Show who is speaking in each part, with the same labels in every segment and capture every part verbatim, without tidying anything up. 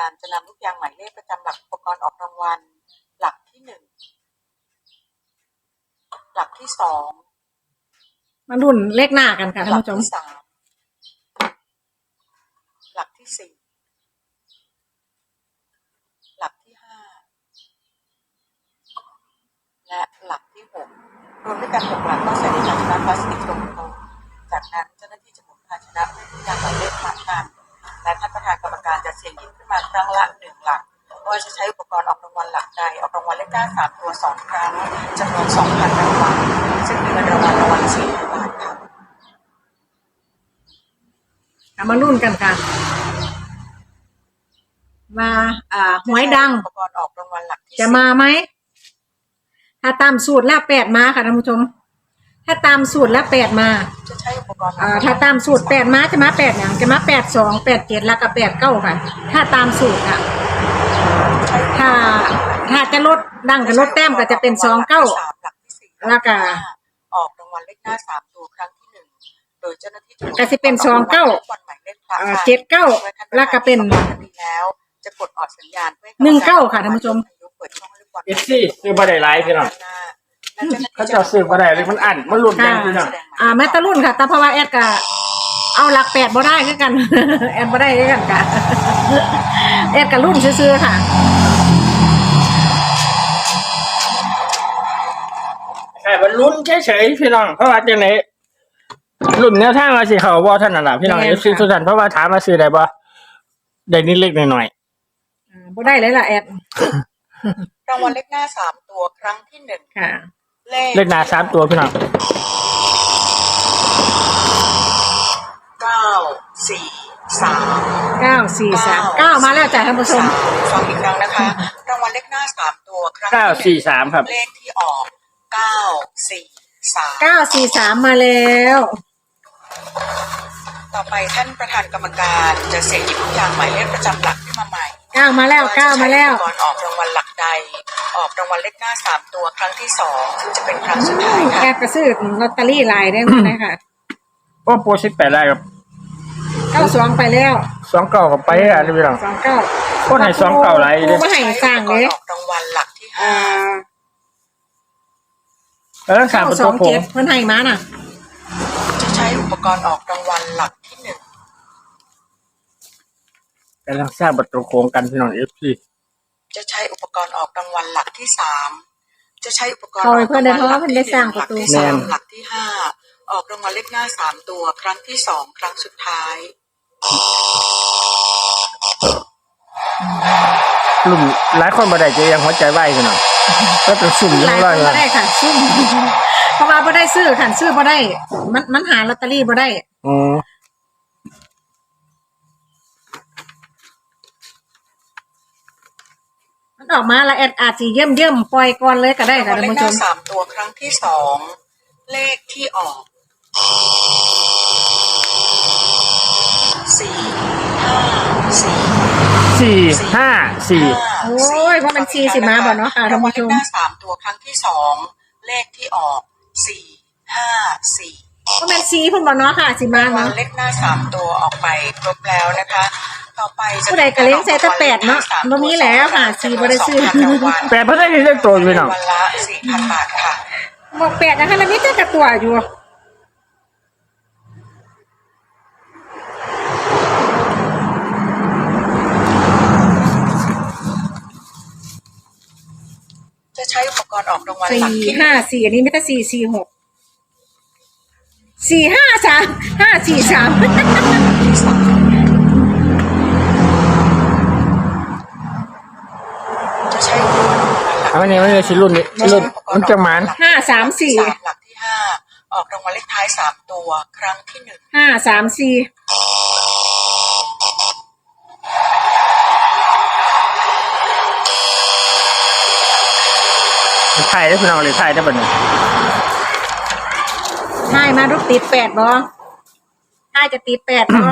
Speaker 1: การจะนำลูกยางหมายเลขประจำหลักอุปกรณ์ออกรางวัลหลักที่หนึ่งหลักที่สอง
Speaker 2: มารุ่นเลขหน้ากันค่ะท่านผู้ชม
Speaker 1: หลักที่สามหลักที่สี่หลักที่ห้าและหลักที่หกรวมด้วยกันหกหลักต้องใส่ในภาชนะพลาสติกตรงๆจากนั้นเจ้าหน้าที่จะหมุนภาชนะให้ลูกยางหมายเลขผ่านกันและท่านประธานกรรมการจะเสี่ยงหยิบขึ้นมาครั้งละหนึ่งหลักว่าจะใช้อุปกรณ์ออกรางวัลหลักใดออกรางวัลเลขหน้าสามตัวสองครั้งจำนวนสองพันรางวัลซึ่งมีเงินรางวัลรางวัลสี่พันบาทค่ะ
Speaker 2: มารุ่นกันค่ะมาอ่าหวยดัง
Speaker 1: อุปกรณ์ออกรางวัลหลักที่
Speaker 2: จะมาไหมถ้าตามสูตรแล้วแปดมาค่ะท่านผู้ชมถ้าตามสูตรแล้วแปดมา
Speaker 1: จะใช้อุปกรณ์
Speaker 2: อ่าถ้าตามสูตรแปดมาจะมาแปดอย่างจะมาแปดสองแปดเจ็ดแล้วก็แปดเก้าค่ะถ้าตามสูตรค่ะถ้าถ้าจะลดดังจะลดแต้มก็จะเป็นสองเก้าแล้วก็
Speaker 1: ออกรางวัลเลขหน้าสามตัวครั้งที่หนึ่งโดยเจ้าหน้าที่
Speaker 2: ก็จะเป็นสองเก้าเจ็ดเก้าแล้วก็เป็น
Speaker 1: แล้วจะกดออกสัญญาณ
Speaker 2: หนึ่งเก้าค่ะท่านผู้ชม
Speaker 3: เอฟซีซื้อมาได้หลายพี่น้องเขาจะซื้อมาได้เลยมันอันมันหลุดกันพี่น้อง
Speaker 2: อ่าแม่ตะรุ่นค่ะแต่เพราะว่าแอดก็เอาหลักแปดบ่ได้คือกันแอดบ่ได้คือกันค่ะแอดกับรุ่นซื้อๆค่ะ
Speaker 3: ใช่มันลุ้นเฉยๆพี่น้องเพราะว่าจังไหนรุ่นแนวทางมาสิเขาบ่ท่านน่ะพี่น้องเอฟซีทุกท่านเพราะว่าถามมาซื้อได้บ่ได้นิดเล็กหน่อย
Speaker 2: ๆอ่าบ่ได้เลยล่ะแอด
Speaker 1: รางวัลเลขหน้าสามตัวครั้งที่หนึ่ง
Speaker 2: ค่ะ
Speaker 3: เลขหน้าสามตัวพี่น้อง
Speaker 1: เก้าสี่สาม
Speaker 2: เก้าสี่สามเก้ามาแล้วจ้ะท่านผู้ชม
Speaker 1: ฟังอีกครั้งนะคะรางวัลเลขหน้าสามตัวครั้ง
Speaker 3: เก้าสี่สามครับ
Speaker 1: เลขที่ออกเก้าสี่สาม
Speaker 2: เก้าสี่สามมาแล้ว
Speaker 1: ต่อไปท่านประธานกรรมการจะเสี่ยงหยิบลูกยางหมายเลขประจำหลักขึ้นมาใหม่
Speaker 2: เก้ามาแล้วเก้ามาแล้ว
Speaker 1: ก่อนออกรางวัลหลักใดออกรางวัลเลขหน้าสามตัวครั้งที่สองซึ่งจะเป็นครั้งสุดท้ายค่ะ
Speaker 2: แกกระซื้อลอตเตอรี่ลายได้ไหมค่ะ
Speaker 3: ก็โปรสิบแปดได้ครับ
Speaker 2: เก้าสองไปแล้ว
Speaker 3: สองเก้ากับไปอ่ะพี่น้อง
Speaker 2: สองเก้า
Speaker 3: ก็ให้สองเก้าไร
Speaker 2: เลยไม่ให้สร้างเลย
Speaker 1: ออกรางวัลหลักที่ห้า
Speaker 3: เออสาม
Speaker 2: สองเจ็ดเพิ่นให้มาน่ะ
Speaker 1: จะใช้อุปกรณ์ออกรางวัลหลักที่หนึ่ง
Speaker 3: กำลังสร้างประตูโค้งกันพี่น้องเอฟซี
Speaker 1: จะใช้อุปกรณ์ออกรางวัลหลักที่สามจะใช้อุปกรณ์
Speaker 2: ออกรางวัลหลักที่สามหลักที่สาม
Speaker 1: หลักที่ห้าออกรางวัลเลขหน้าสามตัวครั้งที่สองครั้งสุดท้าย
Speaker 3: ลุ่มหลายคนบ่ได้จะยังหัวใจไหวพี่น้องก็เป็นซุ่ม
Speaker 2: หลายคนบ่ได้ค่ะซุ่มเพราะว่าบ่ได้ซื้อค่ะซื้อบ่ได้มันมันหาลอตเตอรี่บ่ได้
Speaker 3: อ๋อ
Speaker 2: มันออกมาละแอดอาจสิเยิ่มๆปล่อยก่อนเลยก็ได้ค่ะท่านผู้ชม
Speaker 1: สามตัวครั้งที่สองเลขที่ออกสี่ห้าสี่
Speaker 3: สี่ห้าสี่
Speaker 2: โอ้ยเพราะมันสี่สิมาบ่เนาะค่ะท่านผู้ชม
Speaker 1: เลขหน้าสามตัวครั้งที่สองเลขที่ออกสี่ห้าสี่
Speaker 2: เพราะมันสี่เพิ่นบ่เนาะค่ะสิมาเนาะ
Speaker 1: เลขหน้าสามตัวออกไปครบแล้วนะคะต่อไปจะ
Speaker 2: ผู้ใดก็เลี้ยงใส่แต่แปดเนาะบ่มีแล้วค่ะสี่บ่ได้ซื้อ
Speaker 3: แปดบ่ได้เลขตัวพี่น้อง
Speaker 1: วันละ สี่พัน บาทค่ะ
Speaker 2: บอกแปดนะคะแล้วมีแต่กระตัวอยู่
Speaker 1: จะใช้อุปกรณ์ออกรางวัลหลักที่
Speaker 2: ห้าสี่อันนี้ไม่ใช่สี่สี่หกสี่ห้าสามห้าสี่สาม
Speaker 1: จะใช้อุปกรณ์
Speaker 3: อันนี้ไม่ใช่ชิ้นรุ่นนี้รุ่นมันจะมัน
Speaker 2: ห้าสามสี่
Speaker 1: หลักที่ห้าออกรางวัลเลขท้ายสามตัวครั้งที่หนึ่ง
Speaker 2: ห้าสามสี่
Speaker 3: ไทยได้พี่น้องเลยไทยได้บ่เนี่ย
Speaker 2: ไทยมาลูกติดแปดบ่ไทยจะติดแปดบ่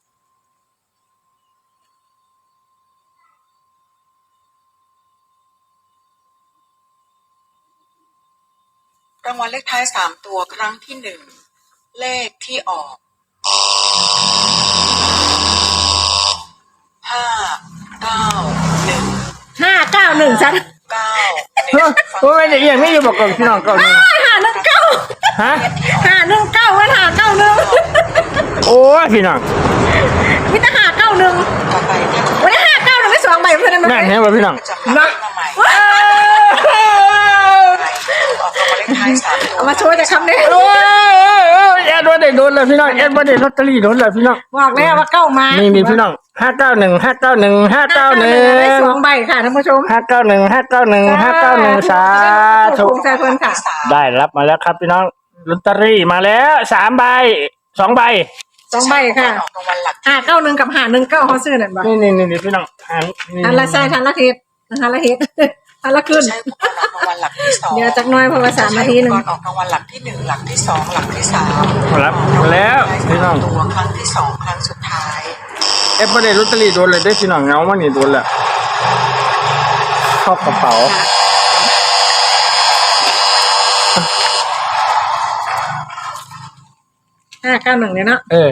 Speaker 1: รางวัลเลขท้ายสามตัวครั้งที่หนึ่งเลขที่ออกห้าเก้า
Speaker 2: เก้าหนึ่งซะ
Speaker 1: เก้า
Speaker 3: เฮ้ยโอ้ยไม่ได้เอียงไม่อยู่บอกกับพี่น้องเก่าหนึ่ง
Speaker 2: หาหนึ่งเก้า
Speaker 3: ฮะ
Speaker 2: หาหนึ่งเก้าวันหาเก้าหนึ่ง
Speaker 3: โอ้ยพี่น้อง
Speaker 2: มิตรหาเก้าหนึ่ง
Speaker 1: ต่อไปท่าน
Speaker 2: วันนี้หาเก้าหนึ่งไม่สองใบเพื่อนได้ไหม
Speaker 3: นั่นเห็นป่ะพี่น้อง
Speaker 1: ประจำหลักมาใหม่ออกรางวัลเลขท้ายสามตัว
Speaker 2: เอามาโชว์จะคำนี้
Speaker 3: โอ้ยแอดว่าได้โดนเลยพี่น้องแอดว่าได้ลอตเตอรี่โดนเลยพี่น้อง
Speaker 2: บอกแล้วว่าเก้ามา
Speaker 3: นี่มีพี่น้องห้าเก้าหนึ่งห้าเก้าหนึ่งห้าเก้าหนึ่ง
Speaker 2: ได้สองใบค่ะท่านผู้ชม
Speaker 3: ห้าเก้าหนึ่งห้าเก้าหนึ่งห้าเก้าหนึ่งสาธุ
Speaker 2: ถูกใจเพื่อนค่ะ
Speaker 3: ได้รับมาแล้วครับพี่น้องลอตเตอรี่มาแล้วสามใบสองใบ
Speaker 2: สองใบค่ะ
Speaker 1: ออกรางวัลหลัก
Speaker 2: หาเก้าหนึ่งกับหาหนึ่งเก้าเขาซื้อนั่นบ่
Speaker 3: นี่นี่นี่นี่พี่น้องหันนี่
Speaker 2: ทันละใช่ทันละเฮ็ดทันละเฮ็ดทันละขึ้น
Speaker 1: ใช้อุปกรณ์ออกรางวัลหลักที่สอง
Speaker 2: เดี๋ยวจักหน้อยเพราะว่าสามนาทีหนึ่ง
Speaker 1: ใช้อุปกรณ์ออกรางวัลหลักที่หนึ่งหลักที่สองหลักที่สาม
Speaker 3: รับมาแล้วพี่น้อง
Speaker 1: ตัวครั้งที่สองครั้งสุดท้าย
Speaker 3: เอฟไม่ได้ลอตเตอรี่โดนเลยได้พี่น้องเงามันนี่โดนแหละเข้ากระเป๋า
Speaker 2: ห้าเก้าหนึ่งเนี่ยเนาะ
Speaker 3: เออ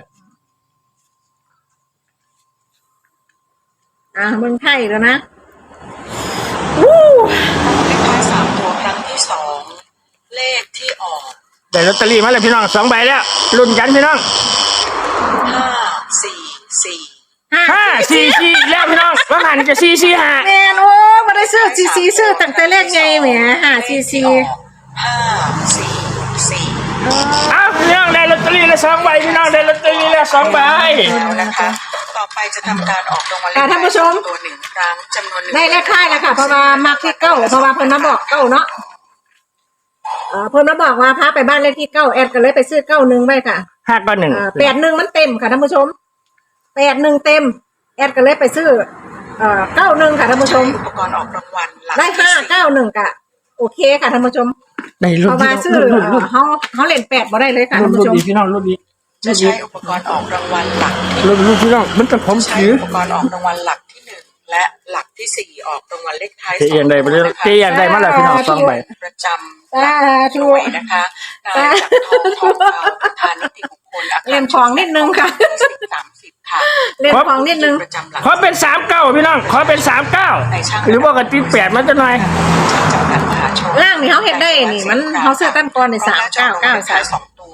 Speaker 2: อ่าเมืองไทยแล้วนะวู้
Speaker 1: เลขท้ายสามตัวครั้งที่สองเลขที่ออก
Speaker 3: ได้ลอตเตอรี่มาแล้วพี่น้องสองใบแล้วลุ้นกันพี่น้อง
Speaker 1: ห้าสี่สี่
Speaker 2: ห้า
Speaker 3: ห้าสี่สี่แล้วพี่น้องว่าหันจะสี่สี่ห้า
Speaker 2: แมนโอ้มาได้ซื้อซีซีซื้อตั้งแต่เลขไงแหมหาซีซี
Speaker 1: ห้าสี่สี่
Speaker 3: อ้าวพี่น้องได้ลอตเตอรี่แล้วสองใบพี่น้องได้ลอตเตอรี่แล้วสองใบ
Speaker 1: แล้วนะคะ ต่อไปจะทำการออกรางวัลเลข
Speaker 2: ค่ะท่านผู้ชม
Speaker 1: ตัวหนึ่งครั้งจำนวนหนึ่ง
Speaker 2: ได้เลขค่ายแล้วค่ะเพราะว่ามักที่เก้าเพราะว่าเพิ่นมาบอกเก้าเนาะเออเพิ่นมาบอกว่าพาไปบ้านเลขที่เก้าแอดก็เลยไปซื้อเก้าหนึ่งไว้ค่ะ
Speaker 3: ห้าก็หนึ่ง
Speaker 2: อ่าแปดหนึ่งมันเต็มค่ะท่านผู้ชมแปดหนึ่งเต็มแอดก็เลยไปซื้อเอ่อเก้าหนึ่งค่ะท่านผู้ชม
Speaker 1: อุปกรณ์ออกรางวัลหลัก
Speaker 2: ได้
Speaker 1: ที่
Speaker 2: ห้า
Speaker 1: สี่
Speaker 2: เก้าหนึ่งกะโอเคค่ะท่านผู้ชม
Speaker 3: ได้
Speaker 2: เพ
Speaker 3: รุ่น
Speaker 2: ราะ
Speaker 3: พี่
Speaker 2: ว่า
Speaker 3: น้อง
Speaker 2: ซื้อ
Speaker 3: รุ่นรุ่น
Speaker 2: เอ่อเขาเขาเล่นแปดบ่ได้เลยค่ะ
Speaker 3: รุ่
Speaker 2: ท่าน น
Speaker 3: รุ่
Speaker 2: ผู้
Speaker 3: น
Speaker 2: ชม
Speaker 3: ดีพี่น้องรุ่นดี
Speaker 1: จะใช้อุปกรณ์ออกรางวัลหลักที่
Speaker 3: รุ่นรุ่นพี่น้องมันจะผม
Speaker 1: ใช้
Speaker 3: ถือ
Speaker 1: อุปกรณ์ออกรางวัลหลักที่หนึ่งและหลักที่สี่ออกรางวัลเลขท้าย
Speaker 3: เจียนได้ไปเรื่อยเจียนได้มาแล้วพี่น้องสองใบ
Speaker 1: ประจำหลักหน่วยนะคะนายจากทองทองคำประธานนิติบุคคลอาคาร
Speaker 2: เล่นของนิดนึงค่ะ
Speaker 1: สามสิบค่ะ
Speaker 2: เล่นของนิดนึง
Speaker 1: ประจำหลัก
Speaker 3: ขอเป็นสามเก้าพี่น้องขอเป็นสามเก้าหรือว่ากันติดแปดมันจะหน่อย
Speaker 1: จำกัดมหาชน
Speaker 2: ล่างนี่เขาเห็นได้นี่มันเขาซื้อตั้งก่อนในสามเก้าเก้าสาม
Speaker 1: สองตัว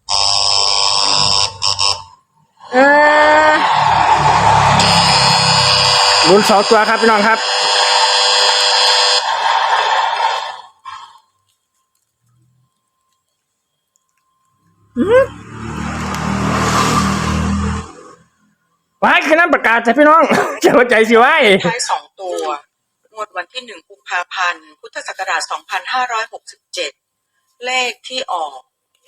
Speaker 2: เออ
Speaker 3: รุ่นสองตัวครับพี่น้องครับไว้คือนั้นประกาศแต่พี่น้อง จะหัวใจสิไว้
Speaker 1: ท้ายสองตัว งวดวันที่หนึ่งกุมภาพันธ์ พุทธศักราชสองพันห้าร้อยหกสิบเจ็ด เลขที่ออก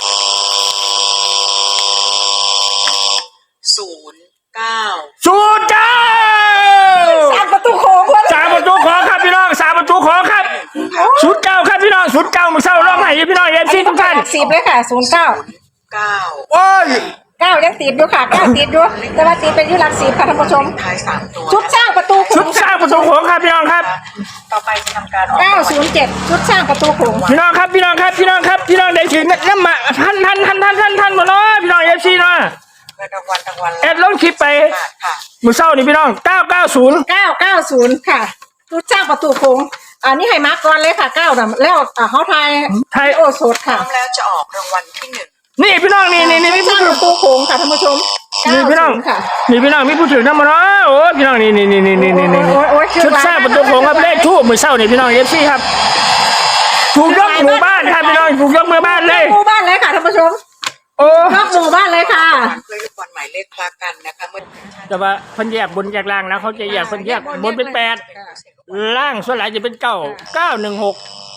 Speaker 1: ศูนย์เก้า
Speaker 3: สูตรเจ้า
Speaker 2: สามประตูโค้งวัน
Speaker 3: สามประตูขอครับพี่น้องสามประตูขอครับสูตรเก้าครับพี่น้องสูตรเก้ามือเศร้าร้องไห้พี่น้องเอฟซีทุกท่าน
Speaker 2: สิบเลยค่ะศูนย์เก้า
Speaker 1: เก้า
Speaker 3: โอ้ย
Speaker 2: เก้ายังติดอยู่ค่ะเก้าติดอยู่แต่ว่าติดเป็นอยุหลักสิบค่ะท่านผู้ชม
Speaker 1: ท้ายสามตัว
Speaker 2: ชุดสร้างประตูโข
Speaker 3: ชุ
Speaker 2: ง
Speaker 3: ดสร้างประตูโขงครับพี่น้องครับ
Speaker 1: ต่อไปจะทำการออก
Speaker 2: เก้าศูนย์เจ็ดชุดสร้างประตูโขง
Speaker 3: พี่น้องครับพี่น้องครับพี่น้องครับพี่น้องได้ถึงน้ำมาท่านท่านท่านท่านท่านท่านหมดเลยพี่น้องเอฟซีเนาะ
Speaker 1: เงินรางวัลรางวัล
Speaker 3: แอดลงคลิปไป
Speaker 1: บาทค่ะ
Speaker 3: มือเศร้านี่พี่น้องเก้าเก้าศูนย์
Speaker 2: เก้าเก้าศูนย์ค่ะชุดสร้างประตูโขงอันนี้ให้มาร์กก่อนเลยค่ะเก้าน่ะแล้วอ่าเขาทาย
Speaker 3: ไทย
Speaker 2: โอสด
Speaker 1: พร้
Speaker 2: ค่ะ
Speaker 1: อมแล้วจะออกรางวัลที่หนึ่ง
Speaker 3: นี่พี่น้องนี่นี่นี่
Speaker 2: ชุ
Speaker 3: มี
Speaker 2: ดส
Speaker 3: ผู้
Speaker 2: ร้าง
Speaker 3: ถื
Speaker 2: ป
Speaker 3: อ
Speaker 2: ระตูโขงค่ะท่านผู้ชม
Speaker 3: นี่พี่น้อง
Speaker 2: เก้าศูย์ค่ะ
Speaker 3: นี่พี่น้องมีผู้ถือน้ำมาเนาะโอ้พี่น้องนี่นี่นี่นี่นี่นี่นี่
Speaker 2: โอ้ยโอ้ยโอ้ย
Speaker 3: ชุดสร้างประตูโขงครับเลขทูบมือเศร้านี่พี่น้องเอฟซีครับถูกยกหมู่บ้านครับพี่น้องถูกยกมือบ้านเลย
Speaker 2: หมู่บ้านเลยค่ะท่านผู้ชม
Speaker 3: โอ้
Speaker 2: ยกหมู่บ้านเลยค่ะ
Speaker 1: เพื่อลูกบอลหมายเลขคลากันนะคะเมื่อ
Speaker 3: แต่ว่าเพิ่นแยกบนแยกล่างนะเขาจะแยกเพิ่นแยกบนเป็นแปดล่างส่วนหลายจะเป็นเก้าเก้าหนึ่งหก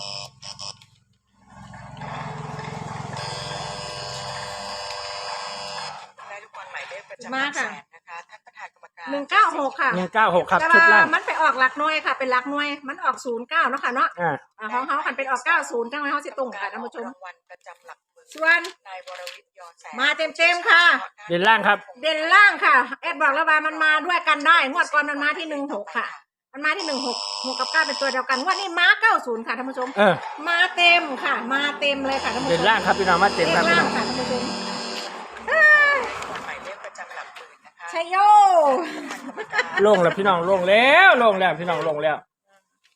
Speaker 1: ได้ลูกบอลหมายเลขประจำห
Speaker 2: มา
Speaker 1: ลักแส
Speaker 2: ค่ะ
Speaker 1: นนะคะท่านประธานกรรมการ
Speaker 2: หนึ่งเก้าหกค่ะ
Speaker 3: หนึ่งเก้าหกครับ
Speaker 2: แต่
Speaker 3: ชุด
Speaker 2: ว่า
Speaker 3: ล่าง
Speaker 2: มันไปออกหลักหน่วยค่ะ เป็นหลักหน่วย มันออกศูนย์เก้าเนาะค่ะเนาะ
Speaker 3: อ่า
Speaker 2: อ่าของเขาคันเป็นออกเก้าศูนย์จังไว้เขาสิตรงค่ะท่านผู้ชม
Speaker 1: รางวัลประจำหลักหมื่น
Speaker 2: ส่วน
Speaker 1: นายวรวิทย์ยอแสน
Speaker 2: มาเต็มๆค่ะ
Speaker 3: เด่นล่างครับ
Speaker 2: เด่นล่างค่ะแอดบอกแล้วว่ามันมาด้วยกันได้งวดก่อนมันมาที่หนึ่งหกค่ะ มันมาที่หนึ่งหกหกกับเก้าเป็นตัวเดียวกันงวดนี้มาเก้าศูนย์ค่ะท่านผู้ชม
Speaker 3: เออ
Speaker 2: มาเต็มค่ะ มาเต็มเลยค่ะท่านผู้ช
Speaker 3: เด่น
Speaker 2: ม
Speaker 3: ล่างครับพี่น้องมาเต็ม
Speaker 2: เล
Speaker 3: ครับ
Speaker 2: ข
Speaker 3: พี่
Speaker 2: ล่า
Speaker 3: น้
Speaker 2: ง
Speaker 3: อง
Speaker 2: ค่ะท่านผู้ชม
Speaker 1: บอลหมายเลขประจำหลักหมื่นนะคะ
Speaker 2: ชัยโย
Speaker 3: ลงแล้วพี่น้องลงแล้วลงแล้วพี่น้องลงแล้ว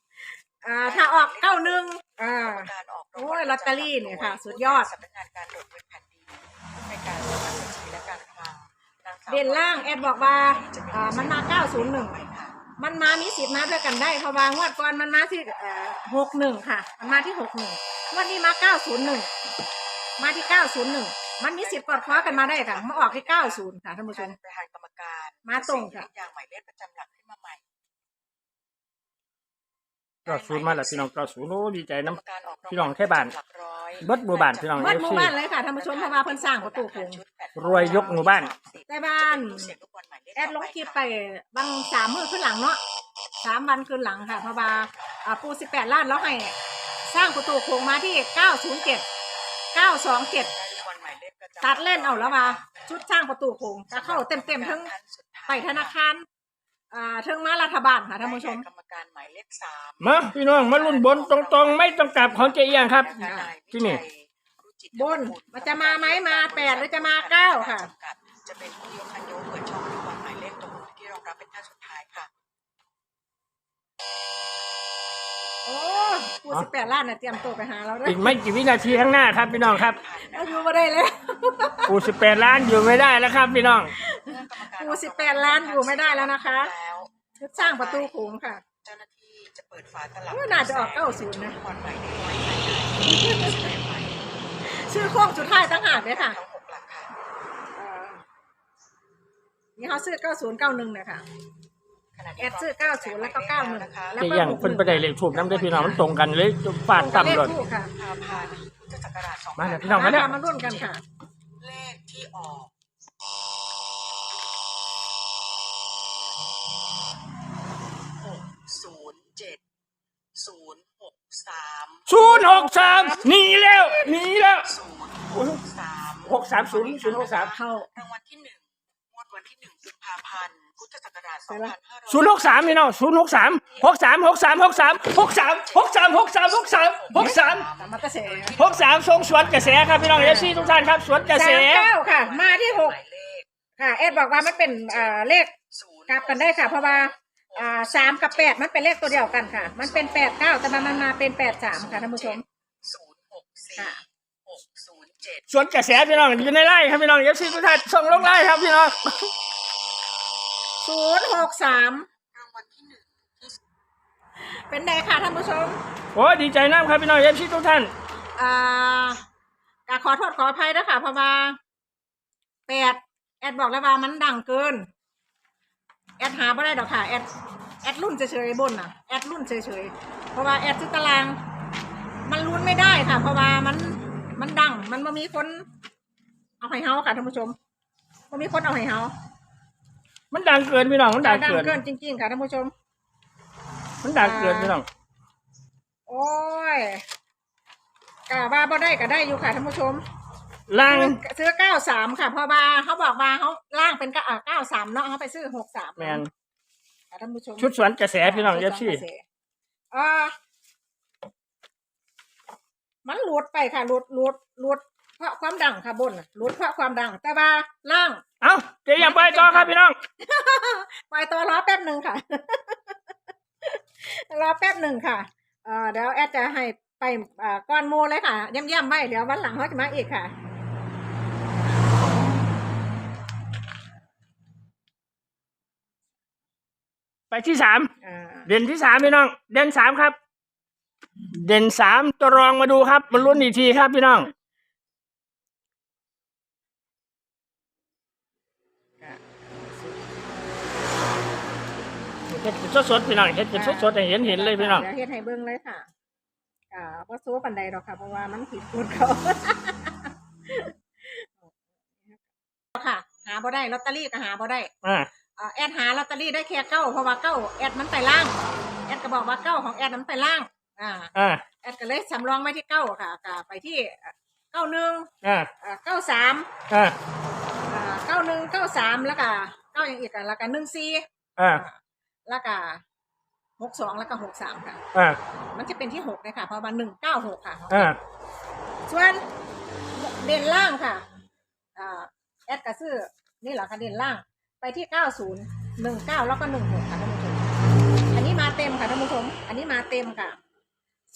Speaker 2: อ่าถ้าออกเก้าหนึ่งอ่า
Speaker 1: การออก
Speaker 2: โอ้ยลอตเตอรี่เนี่ยค่ะสุดยอด
Speaker 1: สำนักงานการตรวจเงินแผ่นดินในการสำนักบัญชีและการคลังนางสาว
Speaker 2: เด่นล่างแอดบอกว่าอ่ามันมาเก้าศูนย์หนึ่งมันมามีสิทธิ์มาด้วยกันได้เพราะว่างวดก่อนมันมาที่เอ่อหกหนึ่งค่ะ มันมาที่หกหนึ่งวันนี้มาเก้าศูนย์หนึ่งมาที่เก้าศูนย์หนึ่งมันมีสิทธิ์กอดคว้ากันมาได้ค่ะมาออกที่เก้าศูนย์ค่ะท่านผู้ชม
Speaker 1: ประธานกรรมการ
Speaker 2: มาตรงค่ะ
Speaker 1: อย่างหมายเลขประจำหลักขึ้นมาใหม่
Speaker 3: เก้าศูนย์มาแล้วพี่น้องเก้าศูนย์โอ้ดีใจ
Speaker 1: กรรม
Speaker 3: น้ำ
Speaker 1: การออก
Speaker 3: พี่น้องแค่บ้าน
Speaker 1: หลักร้อย
Speaker 3: เบิดหมู่บ้านพี่น้อง
Speaker 2: เบิดหมู่บ้านเลยค่ะท่านผู้ชมเพราะว่าเพิ่นสร้างประตูโค้ง
Speaker 3: รวยยกหมู่บ้าน
Speaker 2: แต่บ้านแอดลงคลิปไปบางสามมื้อขึ้นหลังเนาะสามวันขึ้นหลังค่ะเพราะว่าอ่าปูสิบแปดล้านแล้วให้สร้างประตูโค้งมาที่เก้าศูนย์เจ็ดเก้าสองเจ็ดตัดเล่นเอาแล้วว่าชุดสร้างประตูโค้งจะเข้าเต็มเต็มๆทั้งไปธนาคารอ่าทั้งมารัฐบาลค่ะท่านผู้ชม
Speaker 1: กรรมการหมายเลขสาม
Speaker 3: มาพี่น้องมาลุ้นบนตรงๆ ไม่ต้องกลับของเจียงครับ ที่นี่
Speaker 2: บนมันจะมาไหมมาแปดหรือจะมาเก้าค่ะ
Speaker 1: จะเป็นผู้ยกคันโยกเปิดช่องลูกบอลหมายเลขตรงที่รองรับเป็นท่าสุดท้ายค่ะ
Speaker 2: โอ้ปูสิบแปดล้านน่ะเตรียมตัวไปหาเราด้วย
Speaker 3: อีกไม่กี่วินาทีข้างหน้าครับพี่น้องครับ
Speaker 2: เราอยู่มาได้เลย
Speaker 3: ปูสิบแปดล้านอยู่ไม่ได้แล้วครับพี่น้อง
Speaker 2: ปูสิบแปดล้านอยู่ไม่ได้แล้วนะคะชุดสร้างประตูโขงค่ะ
Speaker 1: เจ้าหน้าที่จะเปิดฝาตลับ
Speaker 2: ว่าน่าจะออกเก้าศูนย์นะ
Speaker 1: บอลหมายเลขร้อยหมายเลขหมายเลข
Speaker 2: ชื่อโค้งสุดท้ายตั้งหากเลยค่ะ
Speaker 1: ทั้งหกหลักค่ะ
Speaker 2: เอ่อนี่เขาซื้อเก้าศูนย์เก้าหนึ่งเนี่ยค่ะ แอดซื้อเก้าศูนย์แล้วก็เก้าหนึ่งแล้ว
Speaker 3: เจี
Speaker 2: ก็
Speaker 3: ยง
Speaker 2: หกห
Speaker 3: เพิ่น
Speaker 2: นึ่ง
Speaker 3: ไปได้เลขถูกน้ำได้อพี่น้องมันตรงกันเลยฟาด
Speaker 2: ตรงกับเล
Speaker 3: ต่ำ
Speaker 2: ข
Speaker 3: เลย
Speaker 2: คู่ค่ะ
Speaker 1: พาพานพุทธศักราชสอง
Speaker 3: มา
Speaker 1: พัน
Speaker 3: เดี๋ยวพี่น้องมาเด้อ
Speaker 2: มาร่วมกันค่ะ
Speaker 1: เลขที่ออกหกศูนย์เจ็ดศูนย์หกสาม
Speaker 3: ศูนย์หกสามหนีแล้วหนีแล้ว
Speaker 1: ศูนย์หกสาม
Speaker 3: หกสามศูนย์ศูนย์หกสาม
Speaker 2: เข้าร
Speaker 1: างวัลที่หนึ่งงวดวันที่หนึ่งกุมภาพันธ์พุทธศักราชสองพันห้าร้อย
Speaker 3: ศูนย์หกสามพี่น้องศูนย์หกสามหกสามหกสามหกสามหกสามหกสามหกสามหกสามหกสาม
Speaker 2: สามมัตเตอร์เส
Speaker 3: หกสามทรงสวนกระแสครับพี่น้องเอฟซีทุกท่านครับสวนกระแส
Speaker 2: สามเก้าค่ะ มาที่หก
Speaker 1: หมายเลข
Speaker 2: ค่ะเอ็ดบอกว่ามันเป็นเอ่อเลข
Speaker 1: ศูนย์
Speaker 2: กลับกันได้ค่ะ เพราะว่าอ่าสามกับแปดมันเป็นเลขตัวเดียวกันค่ะ มันเป็นแปดเก้าแต่มันมาเป็นแปดสามค่ะท่านผู้ชม
Speaker 1: ศูนย์หกสี่
Speaker 2: ค่ะ
Speaker 1: หกศูนย์เจ็ด
Speaker 3: สวนกระแสพี่น้องอยู่ในไร่ครับพี่น้องเอฟซีทุกท่านส่งลงไร่ครับพี่น้อง
Speaker 2: ศูนย์หกสาม
Speaker 1: รางวัลที่หนึ่งที่
Speaker 2: เป็นไงค่ะท่านผู้ชม
Speaker 3: โอ้ดีใจน้ำครับพี่น้องเอฟซีทุกท่าน
Speaker 2: อ่ากขอโทษขออภัยด้วยค่ะเพราะว่าแปดแอดบอกแล้วว่ามันดังเกิน แอดหาไม่ได้ดอกค่ะแอดแอดรุ่นเฉยๆบนน่ะแอดรุ่นเฉยๆเพราะว่าแอดซื้อตาราง มันรุ่นไม่ได้ค่ะ เพราะว่ามันมันดัง มันไม่มีคน เอาให้เฮาค่ะท่านผู้ชมมันมีคนเอาให้เฮา
Speaker 3: มันดังเกินพี่น้องมันดัง
Speaker 2: ดัง
Speaker 3: เกิน
Speaker 2: เกินจริงๆค่ะท่านผู้ชม
Speaker 3: มันดังเกินพี่น้อง
Speaker 2: โอ้ยกะว่าบ่ได้ก็ได้อยู่ค่ะท่านผู้ชม
Speaker 3: ล่าง
Speaker 2: ซื้อเก้าสามค่ะเพราะว่าเขาบอกว่าเขาล่างเป็นเก้าเก้าสามเนาะเขาไปซื้อหกสาม
Speaker 3: แมน
Speaker 2: ท่านผู้ชม
Speaker 3: ชุดสวนกระแสพี่น้องเอฟซี
Speaker 2: อ่ามันหลุดไปค่ะหลุดหลุดหลุดเพราะความดังค่ะบนน่ะหลุดเพราะความดัง แต่ว่าล่าง
Speaker 3: เอ้าเจียงไปต่อครับพี่น้อง
Speaker 2: ไปตัวรอแป๊บหนึ่งค่ะ รอแป๊บหนึ่งค่ะเอ่อเดี๋ยวแอดจะให้ไปอ่าก้อนโมเลยค่ะย่ำๆไว้เดี๋ยววันหลังเขาจะมาอีกค่ะ
Speaker 3: ไปที่สาม
Speaker 2: อ่า
Speaker 3: เด่นที่สามพี่น้อง เด่นสามครับ เด่นสามตัวรองมาดูครับมันลุ้นอีกทีครับพี่น้องเฮ็ดเป็นสดๆพี่น้องเฮ็ดเป็นสดๆให้เห็นเห็นเลยพี่น้อง
Speaker 2: เดี๋ยวเฮ็ดให้เบิ่งเลยค่ะอ่าบ่สู้ปานใดดอกค่ะ เพราะว่ามันผิดกฎเขา ค่ะ หาบ่ได้ลอตเตอรี่ก็หาบ่ได้
Speaker 3: อ่า
Speaker 2: อ่าแอดหาลอตเตอรี่ได้แค่เก้าเพราะว่าเก้าแอดมันไปล่างแอดก็บอกว่าเก้าของแอดมันไปล่างอ่า
Speaker 3: อ่า
Speaker 2: แอดก็เลยสำรองไว้ที่เก้าค่ะก็ไปที่เก้าหนึ่ง
Speaker 3: อ่า
Speaker 2: อ่าเก้าสาม
Speaker 3: อ่า
Speaker 2: อ่าเก้าหนึ่งเก้าสามแล้วก็เก้าอย่างอีกอ่ะแล้วก็หนึ่งสี่
Speaker 3: อ่า
Speaker 2: แล้วก็หกสองแล้วก็หกสามค่ะ
Speaker 3: อ่า
Speaker 2: มันจะเป็นที่หกเลยค่ะเพราะว่าหนึ่งเก้าหกค่ะ
Speaker 3: อ่า
Speaker 2: ส่วนเด่นล่างค่ะอ่าแอดกระซื้อนี่เหรอคะเด่นล่าง ไปที่เก้าศูนย์หนึ่งเก้าแล้วก็หนึ่งหกค่ะท่านผู้ชมอันนี้มาเต็มค่ะท่านผู้ชมอันนี้มาเต็มค่ะ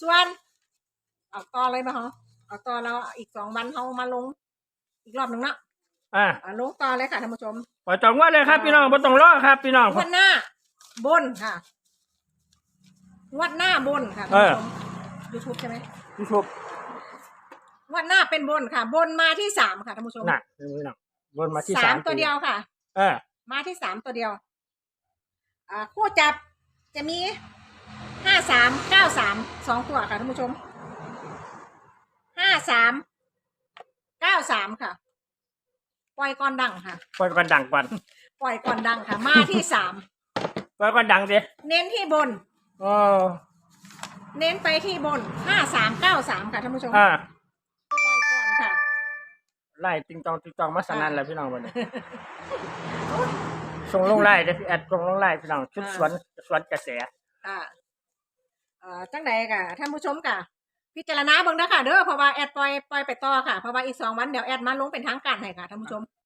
Speaker 2: ส่วนเอาต่อเลยมาเหรอเอาต่อแล้วอีกสองวันเขามาลง อีกรอบหนึ่งเนาะ
Speaker 3: อ่า
Speaker 2: อ่าลงต่อเลยค่ะท่านผู้ชม
Speaker 3: ปล่อยจองว่าเลยครับพี่น้องบ่ต้องรอครับพี่น้อง
Speaker 2: งวดหน้าบนค่ะงวดหน้าบนค่ะท่านผู้ชมยูทูบใช่ไหม
Speaker 3: พี่ชุบ
Speaker 2: งวดหน้าเป็นบนค่ะ บนมาที่สามค่ะท่านผู้ชม
Speaker 3: น่ะพี่น้องวนมาที่
Speaker 2: สา
Speaker 3: สาม ม
Speaker 2: ตัวเดียวค่ะ
Speaker 3: เออ
Speaker 2: มาที่สามตัวเดียว อ่าคู่จับจะมีห้าสามเก้าสามสองตัวค่ะท่านผู้ชมห้าสามเก้าสามค่ะ ปล่อยก่อนดังค่ะ
Speaker 3: ปล่อยกันดังก่อน
Speaker 2: ปล่อยก่อนดังค่ะ มาที่สาม
Speaker 3: ปล่อยกันดังสิ
Speaker 2: เน้นที่บน
Speaker 3: โอ้
Speaker 2: เน้นไปที่บนห้าสามเก้าสามค่ะท่านผู้ชม
Speaker 3: อ่า
Speaker 2: ปล่อยก่อนค่ะ
Speaker 3: ไล่ติงตองติงตองมาสนั่นแล้วพี่น้องวันนี้ส่งลงไล่เด้อพี่แอดส่งลงไล่พี่น้องชุดสวนสวนกระแส
Speaker 2: อ่าเอ่อจังใดค่ะท่านผู้ชมค่ะ พิจารณาเบิ่งนะค่ะเด้อเพราะว่าแอดปล่อยปล่อยไปต่อค่ะเพราะว่าอีกสองวันเดี๋ยวแอดมาลงเป็นทางการให้ค่ะท่านผู้ชม